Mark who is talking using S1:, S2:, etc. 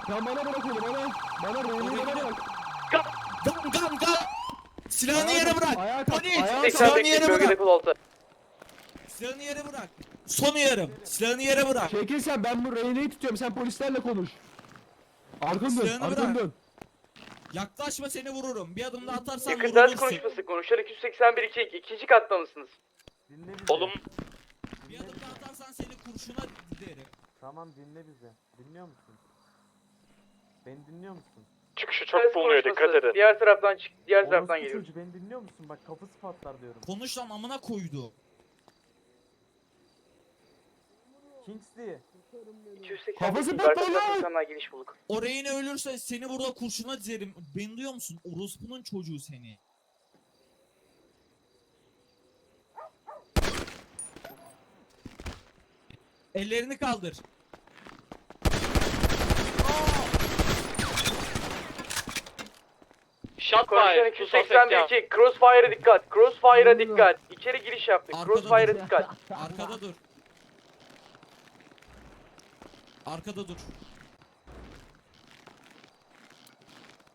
S1: Sen bana bırak onu bana. Bana Reyne'yi bana bırak.
S2: Gam. Silahını yere bırak.
S1: Ayağa kalk.
S2: Polis.
S1: Ayağa kalk.
S2: Silahını yere bırak. Silahını yere bırak. Son uyarım. Silahını yere bırak.
S1: Çekil sen, ben bu Reyne'yi tutuyorum, sen polislerle konuş. Arkanı dön,
S2: Silahını
S1: arkanı
S2: bırak.
S1: dön.
S2: Yaklaşma, seni vururum. Bir adım daha atarsan
S3: Yakın ders
S2: vurulursun.
S3: konuşması. Konuşan 281-2. İkinci katta mısınız?
S4: Dinle bizi.
S3: Oğlum.
S2: Bir adım daha atarsan seni kurşuna dizerim.
S4: Tamam dinle bizi. Dinliyor musun? Beni dinliyor musun?
S3: Çıkışı çok bulunuyor, dikkat edin. Diğer taraftan çık. Diğer taraftan
S4: Orospu
S3: geliyoruz.
S4: çocuğu, beni dinliyor musun? Bak kafası patlar diyorum.
S2: Konuş lan, amına koydu.
S4: Kingsley.
S3: 281
S1: Kafası patladı lan!
S3: insanlar giriş bulduk.
S2: O reyne ölürse seni burada kurşuna dizerim. Beni duyuyor musun? Orospu'nun çocuğu seni. Ellerini kaldır.
S3: Konuşan 281-2. Crossfire'a dikkat. Crossfire'a dikkat. İçeri giriş yaptık.
S2: Arkada
S3: Crossfire'a
S2: dur.
S3: dikkat.
S2: Arkada dur. Arkada dur.